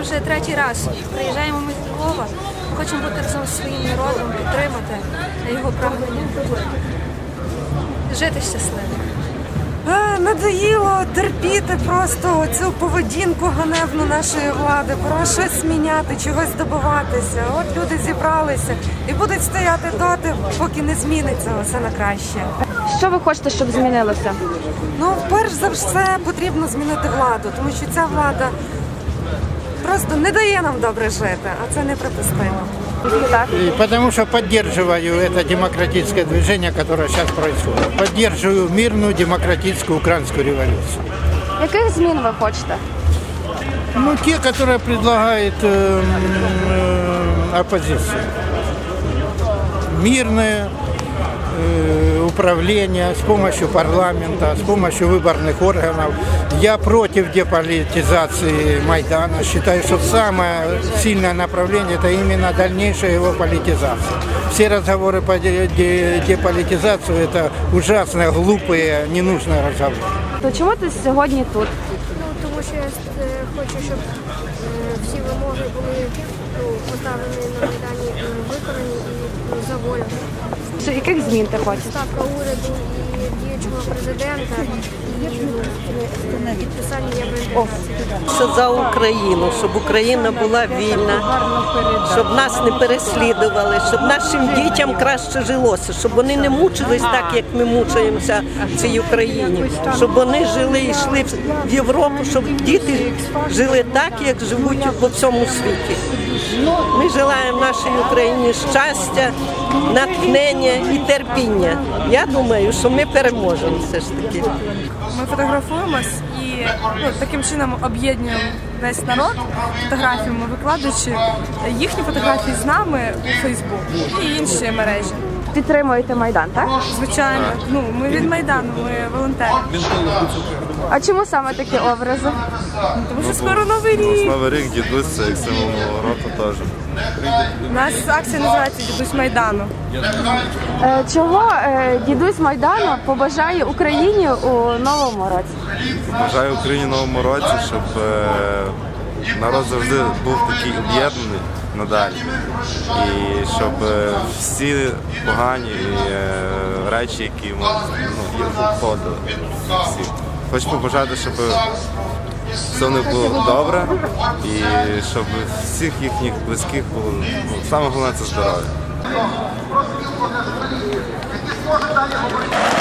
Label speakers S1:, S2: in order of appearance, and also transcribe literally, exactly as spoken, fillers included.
S1: вже третій раз приїжджаємо ми з Львова, хочемо бути разом зі своїм народом, підтримати його прагнення, жити щасливо.
S2: Надоїло терпіти просто цю поведінку ганебну нашої влади, пора щось зміняти, чогось добиватися. От люди зібралися і будуть стояти доти, поки не зміниться все на краще.
S3: Що ви хочете, щоб змінилося?
S2: Ну, перш за все, потрібно змінити владу, тому що ця влада просто не дає нам добре жити, а це неприпустимо.
S4: Потому что поддерживаю это демократическое движение, которое сейчас происходит. Поддерживаю мирную демократическую украинскую революцию.
S3: Яких змін ви хочете?
S4: Ну, те, которые предлагает э, э, оппозиция. Мирное э, управление с помощью парламента, с помощью выборных органов. Я против деполитизации Майдана. Считаю, что самое сильное направление – это именно дальнейшая его политизация. Все разговоры по деполитизации – это ужасно глупые, ненужные разговоры.
S3: То чому ти сьогодні тут?
S1: Ну, тому що я хочу, щоб всі вимоги були поставлені на Майдані, виконані і за волю.
S3: Що, яких змін ти хочеш?
S1: Ставка уряду і діючого президента і підписання євроінтеграції.
S5: Що за Україну, щоб Україна була вільна, щоб нас не переслідували, щоб нашим дітям краще жилося, щоб вони не мучились так, як ми мучаємося в цій Україні, щоб вони жили і йшли в Європу, щоб діти жили так, як живуть по всьому світі. Ми желаємо нашій Україні щастя, натхнення і терпіння. Я думаю, що ми переможемо все ж таки.
S6: Ми фотографуємось і ну, таким чином об'єднуємо весь народ фотографіями, викладаючи їхні фотографії з нами у Фейсбук і інші мережі.
S3: Підтримуєте Майдан, так?
S6: Звичайно. Ну, ми від Майдану, ми волонтери.
S3: А чому саме такі образи?
S6: Тому що скоро Новий рік.
S7: Новий рік, дідусь, це як символ Нового року теж.
S6: У нас акція називається «Дідусь Майдану».
S3: Е, чого е, дідусь Майдану побажає Україні у новому році?
S7: Бажаю Україні в новому році, щоб е, народ завжди був такий об'єднаний надалі. І щоб е, всі погані е, речі, які ну, їх обходили. Всі. Хочу побажати, щоб все в них було добре і щоб всіх їхніх близьких було, ну, саме головне – це здоров'я.